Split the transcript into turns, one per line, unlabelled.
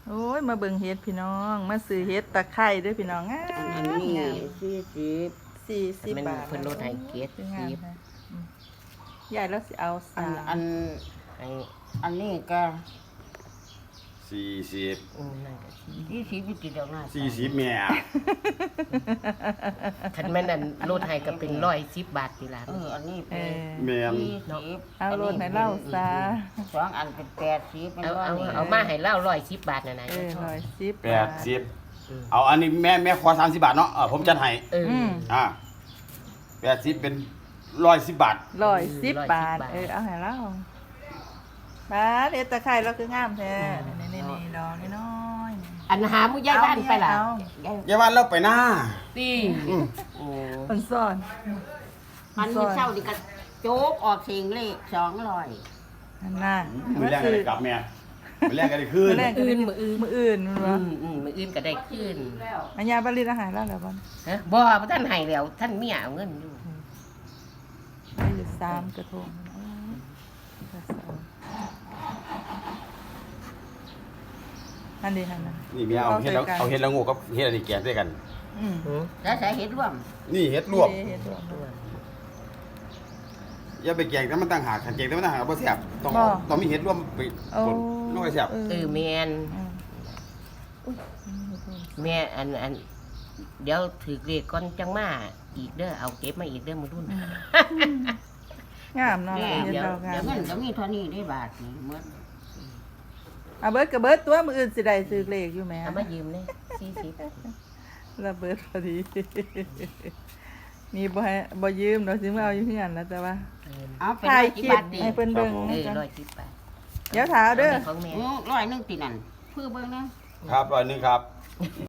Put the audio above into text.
โอ้ยมาเบิ่งเฮ็ดพี่น้องมาซื้อเฮ็ดตะไคร้ด้วยพี่น้องงาม
อันนี้
งาม
40
40 บาท
เพิ่นลดให้เกต
งามนะยายแล้วสิเอา
อัน
3
ให้
อันนี้ก็
40
นั่นก็สิ
40อยู่ติดแล้วนะ
40แม่
คันแม่นอันลดให้ก็เป็น110 บาทนี่ล่ะ
อันนี้
เอ
เป็น
อ
แม่น
40
เอาโลดให้เล่าซะ
สองอันเป็น80เป็น
เอามาให้เล่า110 บาทน่ะนะ
110 บาท
80เอาอันนี้แม่ขอ30 บาทเนาะผมจัดให้ อ่า80เป็น110 บาท
110 บาทเอาให้เล่าบาทเฮ็ดตะไคร้แล้วคืองามแท้นี่ๆๆดอกน้อยๆ
อันหาผู้ใหญ่บ้านไปล่ะ
เอา
อย่าว่าเราไปหน้า
ติโอ้
มันซ่อน
มันมีเศร้าดิกะโจ๊กออกเสียงเลข200
นั่นน่ะ
มือแรกก็ได้กลับแม่มือแรกก็ได้คืน
มื้อแรกก็ได้มื้ออื่นมันว่า
มื้ออื่นก็ได้คืน
อัญญาบริณอาหารแล้วบ่
ฮะบ่ท่านให้แล้วท่านเมียเอาเงินอยู่
ได้อยู่3กระทงอันนี้หั่นน่ะ
นี่แม่เอาเฮ็ดแล้วเอาเฮ็ดแล้วงูกับเฮ็ดอันนี้แกงด้วยกัน
แล้วใส่เห็ดร่วม
นี่เฮ็ดลวก
เฮ็ดรวม
อย่าไปแกงแต่มันต่างหากแกงแต่มันต่างหากบ่แซ่บต้องมีเฮ็ดรวมไปปนลงไปแซ่บ
แม่นแม่อันเดี๋ยวถือเลขก่อนจังมาอีกเด้อเอาเก็บมาอีกเด้อมื้อรุ่น
งามเนาะ
แม่
เฮ็ด
เดี๋ยว
ดอกงา
เดี๋ยว
ม
เงินก็มีเท่านี้ได้บาทนี่หมด
อ่ะเบิดก็เบิดตัวมื้ออื่นสิได้ซื้อเลขอยู่แหม
เอามายืมเลย40
ระเบิดพอดี นี่บ่ยืมเนาะสิมาเอาอยู่เฮือนแล้วแต่ว่า
เอาเป็น
ถ่าย
กี่
คลิ
บา
ป
ทดิ
ให้เพิ่นเบิ่ง
110 บาท
เดี๋ยวถามเด้อ
ของแม่
100นึงตินั่นเพื่อเบิ่งนะ
ครับ100นึงครับ